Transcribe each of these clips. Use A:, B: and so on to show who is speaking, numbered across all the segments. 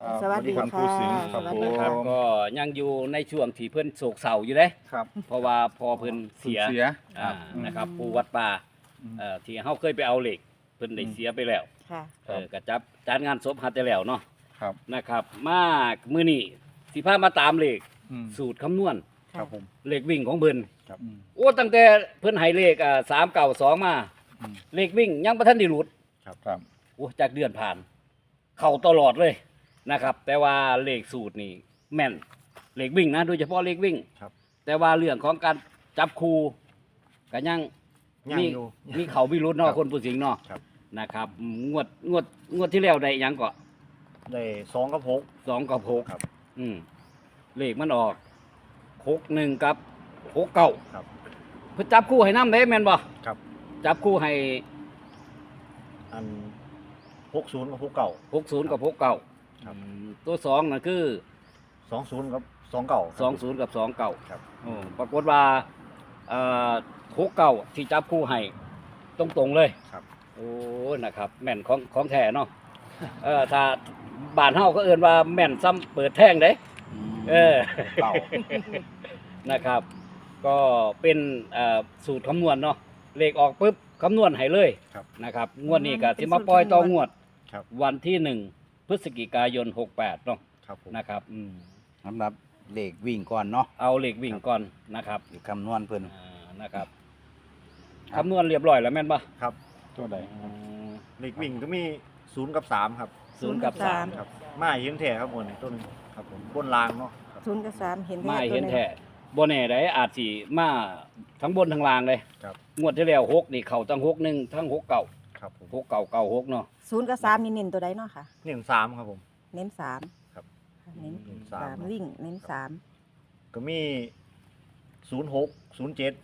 A: สวัสดี
B: คุณ
A: ค่ะ
B: ผู้สิงห์ครับ
A: สวัส
B: ผ
A: ดี
B: ม
A: ค่ะ
C: ก็ยังอยู่ในช่วงที่เพิ่นโศกเศร้าอยู่เด้
B: ครับ
C: เพราะว่าพอเพิ่นเสีย
B: เสีย
C: อ่า
B: อืม
C: นะครับปู่วัดป่า
B: อืม
C: ที่เฮาเคยไปเอาเหล็กเพิ่นได้เสียไปแล้ว
A: ค่ะ
B: ครับ
C: ก็จัดงานศพหัดได้แล้วเนาะ
B: ครับ
C: นะครับ มามื้อนี้สิพามาตามเลข
B: อืม
C: สูตรคำนวณ
B: ครับผม
C: เลขวิ่งของเพิ่น
B: อืม
C: โอ้ตั้งแต่เพิ่นให้เลข392มา
B: อืม
C: เลขวิ่งยังบ่ทันได้หลุด
B: ครับ
C: โอ้จากเดือนผ่าน เข้าตลอดเลยนะครับ แต่ว่าเลขสูตรนี่แม่นเลขวิ่งนะโดยเฉพาะเลขวิ่ง
B: ครับ
C: แต่ว่าเรื่องของการจับคู่ก็ยัง
B: ยัง
C: มี
B: อยู่
C: มีเขามีรุ้นเนาะ
B: ครับ
C: คนผู้สิงห์เนาะ
B: ครับ
C: นะครับงวดที่แล้วได้หยังก็
B: ได้2กับ6
C: 2กับ6
B: ครับ
C: เลขมันออก61กับ69
B: ครับ
C: เพิ่นจับคู่ให้นำได้แม่นบ่
B: ครับ
C: จับคู่ให้
B: อัน60กับ69
C: 60กับ69
B: ครับ
C: ตัว2น่ะคือ
B: 20กับ29
C: 20กับ29
B: ครับ
C: ปรากฏว่า69ที่จับคู่ให้ตรงๆเลย
B: ครับ
C: โอ้นะครับ แม่นของแท้เนาะถ้าบ้านเฮาก็เอิ้นว่าแม่นซ้ำเปิดแท่งเด้
B: เก่า
C: นะครับ ก็เป็นสูตรคำนวณเนาะเลขออกปุ๊บคำนวณให้เลย
B: ครับ
C: นะครับงวดนี้ก็สิมาปล่อยต่องวด
B: ครับ
C: วันที่1พฤศจิกายน68เนาะ
B: ครับผม
C: นะครับ
D: สำหรับเลขวิ่งก่อนเนาะ
C: เอาเลขวิ่งก่อนนะครับ
D: เลขคำนวณเพิ่น
C: นะครับคำนวณเรียบร้อยแล้วแม่นปะ
B: ครับ
D: ตัวใด
B: เลขวิ่งก็มี0กับ3ครับ
C: 0กับ
A: สาม
C: 3
B: ครับมาเห็นแท้ครับบนนี่ตัวหนึงครับผมบนรางเนาะครับ
A: ศูนย์กับ3เห็น
C: ไม่
A: ตัว
C: เห็น
A: ง
C: แท้บ่แน่ได้อาจสิมาทั้งบนทั้งล่างเลย
B: ครับ
C: งวดที่แล้ว6นี่เข้าทั้ง61ทั้ง6เก่า
B: ครับผม
C: 6เก่าเก่า6เนาะ
A: ศูนย์กับ3นี่เน้นตัวใดเนาะค่ะ
B: นี่3ครับผม
A: เน้น3
B: ครับ
A: เน้น
B: เน้นสาม
A: 3วิ่งเน้น3
B: ก็มี06 07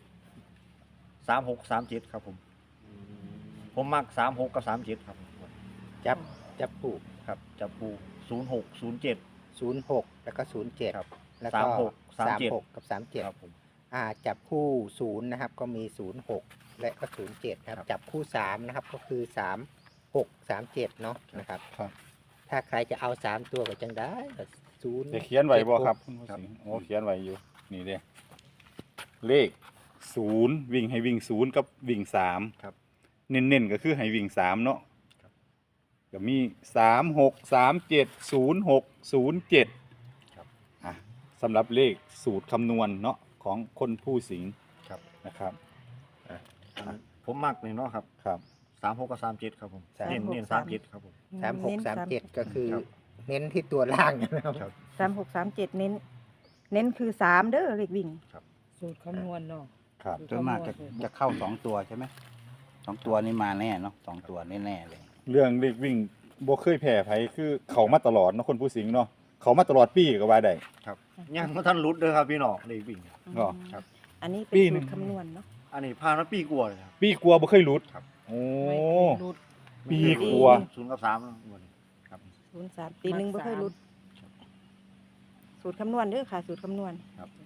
B: 36 37ครับผมมัก36กับ37ครับผม
D: จับคู่
B: ครับจับปู06 07
D: 06แล้วก็07
B: ครับ
D: แล้วก็
B: 36 37
D: 36กับ37
B: ครับผม
D: จับคู่0นะครับก็มี06และก็07ครับ
B: ครับ
D: จับคู่3นะครับก็คือ36 37เนาะนะครับ
B: ครับ
D: ถ้าใครจะเอา3ตัวก็จังได้ก็0
E: ได้เขียนไว้บ่ครับคุณผู้
B: ครับ
E: สิงห์โอ้เขียนไว้อยู่นี่เด้เลข0วิ่งให้วิ่ง0กับวิ่ง3
B: ครับ
E: เน้นๆก็คือให้วิ่ง3เนาะ
B: ครับ
E: ก็มี36 37 06 07
B: ครับ
E: สำหรับเลขสูตรคำนวณเนาะของคนผู้สิงห์
B: ครับ
E: นะครับ
B: อันผมมักนี่เนาะครับ
E: ครับ
B: 36กับ37ครับผม
D: 36
B: เน้น37ครับผม
D: 36 37ก็คือ
B: ครับ
D: เน้นที่ตัวล่างนะครับ
B: ครับ
A: 36 37เน้นคือ3เด้อเลขวิ่ง
F: สูตรคำนวณเนาะ
E: ครับ
D: ส่วนมากจะเข้า2ตัวใช่ไหม2ตัวนี้มาแน่เนาะ2ตัวแน่ๆเลย
E: เรื่องเลขวิ่งบ่เคยแพ้ไผคือเขามาตลอดเนาะคนผู้สิงห์เนาะเขามาตลอดปีก็ว่าได้
B: ครับยังบ่ทันหลุดเด้อครับพี่น้องเลขวิ่ง
E: ก็
B: ครับ
A: อันนี้เป็น
E: ปีห
A: สู
E: นึ่
A: ต
E: ง
A: รคำนวณเนาะ
B: อันนี้ผ่านมาปีกว่าเลยครับ
E: ปีกลัวบ่เคยหลุด
B: ครับ
E: โอ้
F: ไม่รุด
E: ปีกลัว
B: 0กับ3เนาะงวดนี้ครับ
A: 0 3ปีหนึงบ่เคยหลุด สูตรคำนวณเด้อค่ะ สูตรคำนวณ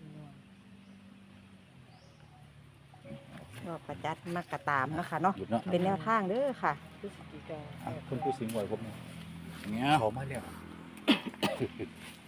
A: ก็ประจัดมากระตามเนาะคะเนาะ
E: หยุดเนาะ
A: เป็นแนวทางเด้อค่ะ
F: พฤศจิกา
E: คนผู้สิงห์ไหวผมเนี่ย
D: อย่างเงี้ย
E: เขามาแล้ว